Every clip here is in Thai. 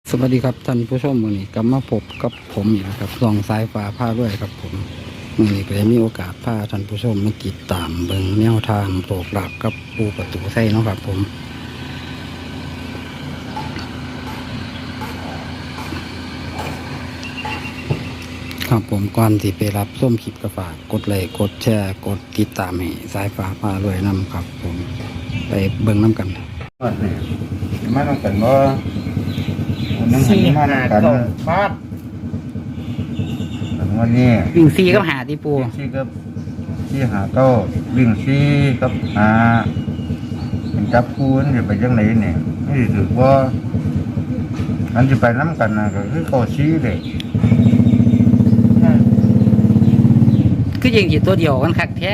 สวัสดีครับท่านผู้ชมวันนี้กลับมาพบกับผมอีกนะครับส่องสายฟ้าผ้าด้วยครับผมวันนี้ก็ได้มีโอกาสพาท่านผู้ชมมาติดตามเบิ่งแนวทางโปรกหลับกับปูประตูไส้เนาะครับผมครับผมก่อนที่ไปรับส้มคลิปกระฝากกดไลค์กดแชร์กดติดตามให้สายฟ้าผ้าด้วยนำครับผมไปเบิ่งน้ำกันวัดนี่มาต้องกันว่านั่งหันมาต้องกันฟาดวันนี้วิ่งซีกับหาที่ปูวิ่งซีกับซีหาเก้าวิ่งซีกับหาเป็นจับคูนจะไปยังไหนเนี่ยไม่ถือว่าอันจะไปน้ำกันนะก็คือเก้าซีเลยคือยิงกี่ตัวเดียวกันคักแท้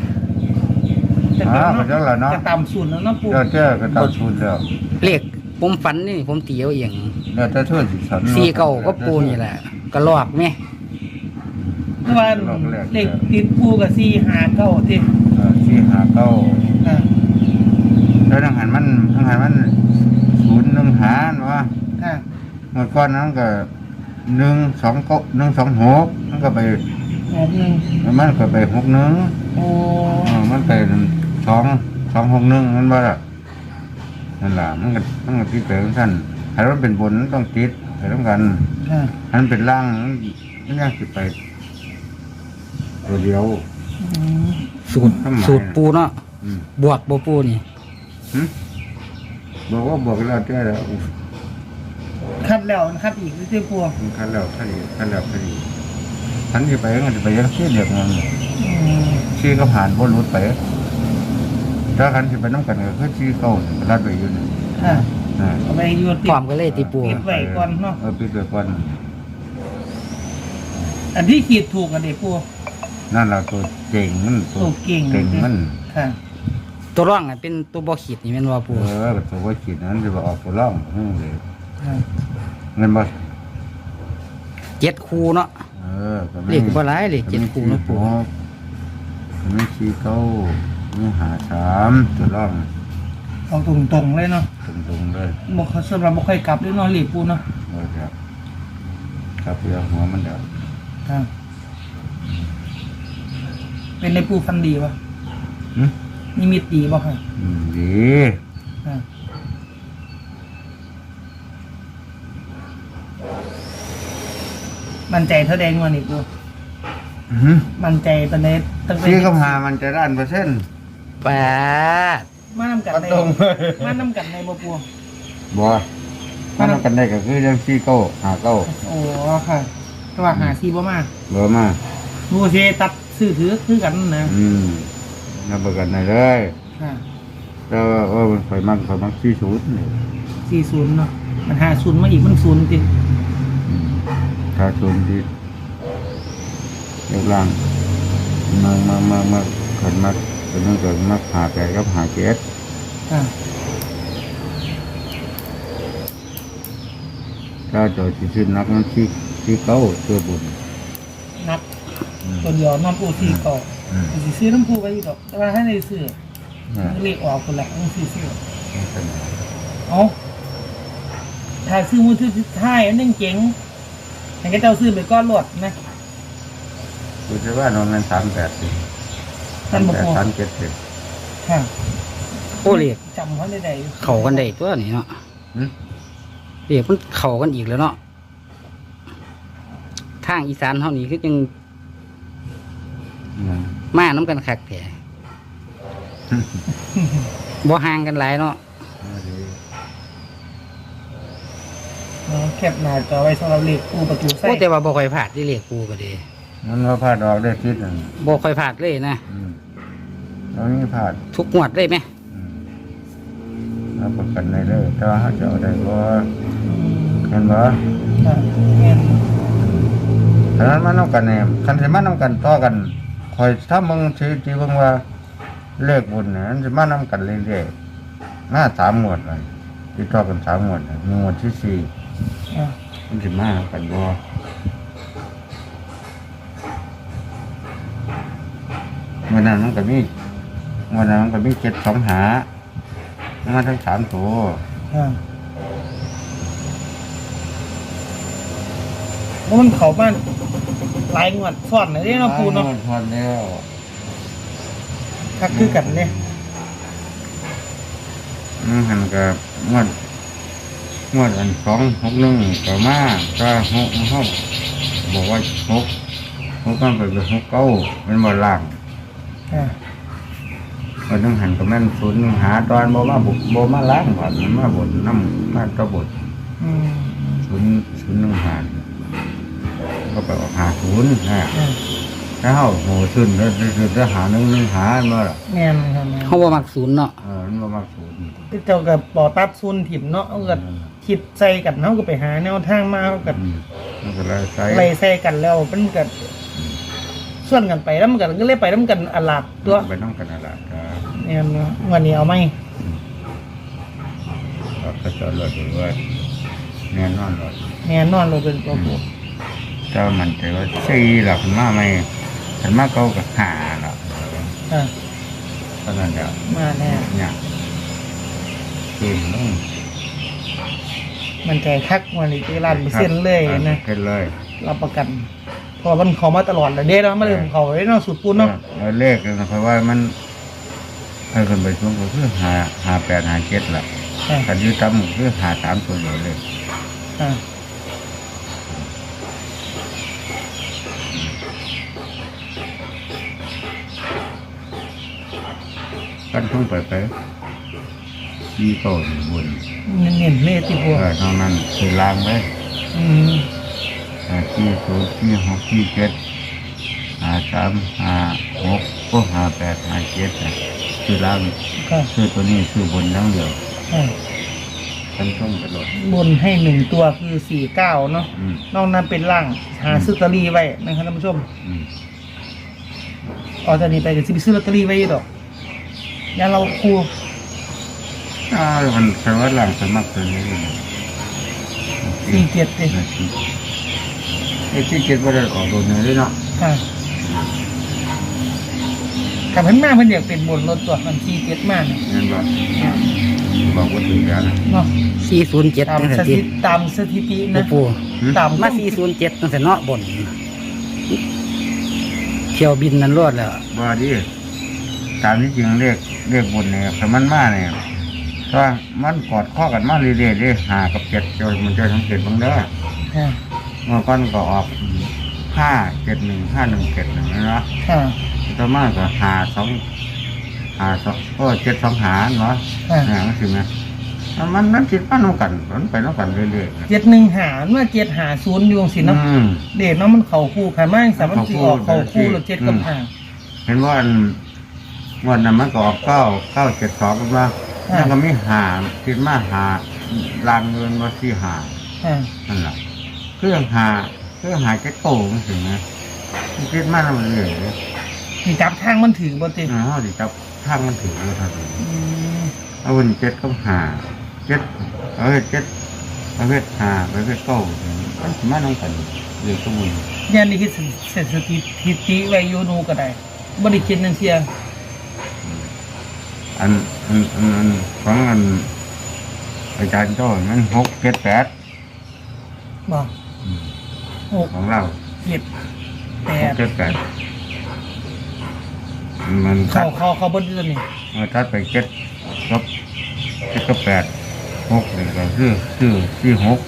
ก็จะละเนาะจะตามศูนย์แล้วเนาะปูเจ้าก็ตามศูนย์แล้วเลขผมฝันนี่ผมตีเอาเองแล้วจะช่วยสิฉันซีเก่าก็ปูนี่แหละก็ลอกไหมว่าเลขติดปูกับซีหาเก้าที่ซีหาเก้าแล้วทางหันมันศูนย์หนึ่งหาเนาะเมื่อก่อนนั้นก็129 126มันก็ไป61มันก็ไป61 โอ้มันไป261มันว่านั่นแหละมันก็ที่เปท่านถ้ามันเป็นบนต้องติดไปต้องกันถ้ามันเป็นล่างมันยังสิไปตัวเดียวสูตรปูเนาะบวกบ่ปูนี่บอกว่าบวกแล้วแก้แล้วคัดแล้วคัดอีกที่ปูคัดแล้วคัดอีกฉันจะไปก็จะไปยังชี้เด็กมันชี้ก็ผ่านบนรถไปถ้าคันจะไปน้ำกันก็คือชี้เข้ารัดไปอยู่นี่ไปอยู่ติดความก็เลยตีปูปิดไว้ก่อนเนาะปิดไว้ก่อนอันที่ขีดถูกกันเด็กปูนั่นแหละตัวเก่งมันตัวเก่งมันตัวร่องเป็นตัวบ่ขีดนี่แม่นว่าปูตัวบ่ขีดนั้นจะออกตัวร่องเลยเงินบ่ 7 คู่เนาะเลขบ่หลายเลข7 คู่เนาะปูมี4 9มี5 3ตัวร่องเอาตรงเลยเนาะตรงเลยบ่เขาสำหรับบ่ค่อยกลับด้วยเนาะเลขปูเนาะครับเพื่อหัวมันเด้อเป็นในปูฟันดีป่ะนิมิตดีป่ะครับดีมันใจเท่าแดงวันนี้ปูมันใจตอนนี้ตั้งแต่ที่เขาหามันจะด้าน% แปดมานำกันในมานำกันในบ่ปูบ่มานำกันได้ก็คือเรื่องซีเก้าหาเก้าโอ้ค่ะแต่ว่าหาซีบ่มาดูเชตัดซื้อถือคือกันนะนับประกันได้เลยแล้วมันไฟมัน40 เนาะมัน50มาอีกมัน0ติ 50ดิเรียบร้างมาขันมาเป็นเกิดมาหาแก่กับหาเจ็ดถ้าโดยที่นักมันที่เก้าตัวบุญนักตัวเดียวน้ำปูซีเก่าสิซื้อน้ำปูไปอีกดอกแต่ว่าให้ในซื้อเลขออกคนละต้องซื้อเอาถ้าซื้อมือถือท้ายนั่งเจ๋งแต่ก็เจ้าซื้อไปก้อนหลดนะดูสิว่านอนมัน38 ท่านบอกว่า 37 ค่ะโอ้เรียกจำเขาได้เข่ากันได้ตัวนี้เนาะเรียกมันเข่ากันอีกแล้วเนาะทางอีสานเท่านี้คือยังมาน้ำกันคักแผลบ่ห่างกันหลายเนาะแคบหน้าจอไว้สำหรับเลขปูประตูไส้แต่ว่าบ่ค่อยพลาดที่เลขปูก็ดีมันว่าพลาดออกได้ทิศนึงบ่ค่อยพลาดเลยนะตอนนี้พลาดทุกงวดเลยไหมเราประกันได้เลยแต่ว่าเขาจะเอาได้บ่เห็นบ่ฉะนั้นมันต้องกันเนี่ยคันสิมันต้องกันต่อกันคอยถ้ามึงที่เบิ่งว่าเลขบุญเนี่ยมันสิมันต้องกันเรื่อยๆมา3 งวดเลยที่ต่อกัน3 งวดงวดที่4มันสิมากันบ่วันนั้นมันก็มี7 2 หามาทั้ง3 ตัวเพราะมันเขาบ้านหลายงวดซ่อนเลยเนาะปูเนาะทอนแล้วคักคือกันเนี่ยหันกับงวดอัน261ก็มาก็6ห้องบอกว่า6กันไปเป็น69เป็นบ่ล่าง มันต้องหันกับแม่นศูนย์หาตอนบ่มาล้างผ่านมันมาบดน้ำมาตะบดศูนย์หนึ่งหาก็ไปออก50นะถ้าเฮาโหขึ้นแล้วจะหาหนึ่งหาเมื่อล่ะแม่นครับเขาบ่มักศูนย์เนาะมันบ่มาศูนย์เจ้ากับปอตัดซุนถิ่มเนาะเอาก็คิดใส่กันเนาะก็ไปหาแนวทางมาเอาก็มันก็เลยใส่ไล่ใส่กันแล้วมันก็ส่วนกันไปแล้วมันก็เลยไปแล้วมันกันอลาดตัวไปต้องกันอะไรก็เนี่ยเนาะวันนี้เอาไหมก็จะลดด้วยแน่นอนเลยแน่นอนเราเป็นตัวปูเจ้ามันแต่ว่า4หลักมาไม่ฉันมาเขาก็หาหรอกอ่ะเพราะนั้นเดี๋ยวมาแน่เนี่ยขึ้นลงมันใจคักวันนี้ที่ร้านเส้นเลยนะขึ้นเลยรับประกันเพราะมันเขามาตลอดเลยเด้เนาะมาเลยเขาไว้เนาะสูตรปูนเนาะแล้วเลขนะเพราะว่ามันให้คนไปช่วงก็คือ58 57ล่ะอ่ะถ้าอยู่ต่ำก็คือ53ตัวเดียวเลยอ่ะกันทุ่งไปที่โตอยู่บนเน้นๆเลยที่ปูนอกนั้นคือล่างไว้อืมที่0ที่6ที่7 53 56ก็58 57คือล่างค่ะคือตัวนี้คือบนอย่างเดียวอ่ะกันทุ่งไปหลดบนให้1ตัวคือ49เนาะอืมนอกนั้นเป็นล่างหาซื้อลอตเตอรี่ไว้นะครับท่านผู้ชมอืมออกจากนี้ไปก็สิไปซื้อลอตเตอรี่ไว้ดอกอย่าเราครูมันแปลว่าหลังสมัครตัวนี้ 47เลยที่เจ็ดว่าได้ออกโดนเลยเนาะค่ะกับเพิ่นมาเพิ่นอยากเป็นบนรถตัวมัน47มากเนี่ยเงินบอกว่าถึงแล้วนะเนาะ 407 ตามจังสซั่นติถิติตามสถิตินะปูตามมา407จังซั่นเนาะบนเที่ยวบินนั้นรอดแล้วว่าดิตามที่จริงเรียกบนเนี่ยแต่มันมาเนี่ยถ้ามันกอดข้อกันมาเรื่อยๆเลย5 กับ 7จนมันจะสังเกตบ้างเด้อค่ะเมื่อก่อนก็ออก5 7 1 5 1 7 1นะค่ะต่อมาก็5 2 7 2หาเนาะค่ะมันสิไหมมันคิดว่าน้องกันมันไปน้องกันเรื่อยๆ 71หาเมื่อ750อยู่จังซี่เนาะอืมเด็กเนาะมันเข้าคู่คันมาจังซั่นมันสิออกเข้าคู่รถ7กับ5 เห็นว่าวันนั้นมันก็ออก9 7 2กันมาแล้วก็มีคิดมาลางเงินมาที่ค่ะนั่นแหละเครื่องเจ็ดโตมันถึงนะคิดมาแล้วมันเลยสิจับทางมันถือบ่ติดิจับทางมันถึงเลยครับอืมเอาวัน7ก็7เอา7เอา5เอา9มันสิมาน้องกันเรื่องสมุนย่านนี้คือสถิติไว้อยู่นูก็ได้บ่ได้คิดนั่นเสียอันของอาจารย์โจ้มัน6 7 8 บ่6 ของเรา 7 6 8 7 8มันตัดเขาบนตัวนี้มันตัดไป7กับ8 6นี่ก็คือ6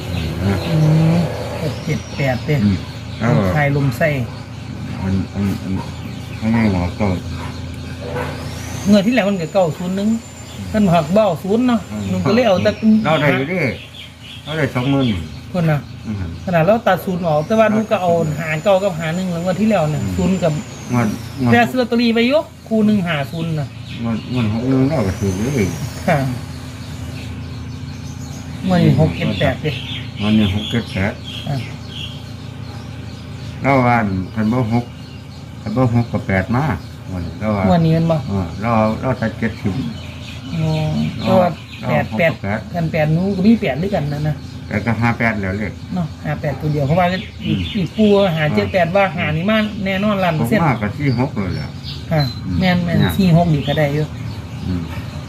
6 7 8เด้แล้วคลายลมไส้มันไม่หมอก็เงินที่แล้วมันก็เก้าศูนย์นึงท่านหักเบ้าศูนย์เนาะหนุ่มก็เลยเอาแต่เราได้อยู่ดิเราได้20,000 คนน่ะขนาดเราตัดศูนย์ออกแต่ว่าหนุ่มก็เอาหารเก้ากับหารหนึ่งแล้ววันที่แล้วเนี่ยศูนย์กับงวดแต่ซื้อลอตเตอรี่ไปยกคู่หนึ่งหาศูนย์น่ะ 61เราก็ถือเลยค่ะเงิน6 7 8เด้วันนี้6 7 8 อ่ะแล้ววันคันบ่6กับ8มาวันนี้แล้วว่าวันนี้มันบ่เราตัด70 อ๋อเพราะว่า8กัน8นู้ก็มี8ด้วยกันนะแต่ก็58แล้วเลยเนาะ58ตัวเดียวเพราะว่าอีกปูหา78ว่าหานี่มาแน่นอนล้านผมเปอร์เซ็นต์มากกับที่6เลยแหละค่ะแม่น46นี่ก็ได้อยู่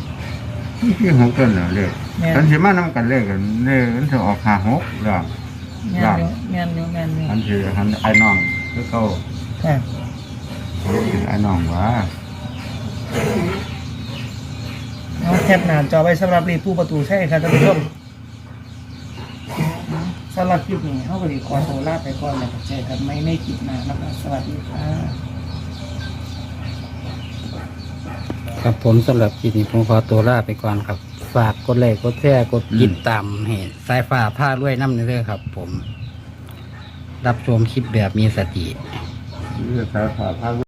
ที่6ต้นแล้วเลยแม่นฉันสิมานำกันเลยกันเลยมันจะออก56แล้วแม่นอยู่แม่นอยู่แม่นอยู่อันคืออันไอ้น้องคือเขาค่ะเป็นไอ้น้องวะเอาแคปหน้าจอไว้สำหรับรีผู้ประตูใช่ครับท่านผู้ชมสำหรับคลิปนี้เขาก็ดีขอตัวลาไปก่อนแล้วก็เจอกันไม่ในคลิปหน้านะครับสวัสดีค่ะครับผมสำหรับคลิปนี้ผมขอตัวลาไปก่อนครับ ฝากกดไลค์กดแชร์กดติดตามให้สายฟ้าผ้าด้วยน้ำเด้อครับ ผม รับชมคลิปแบบมีสติเรื่องสายผ่าพา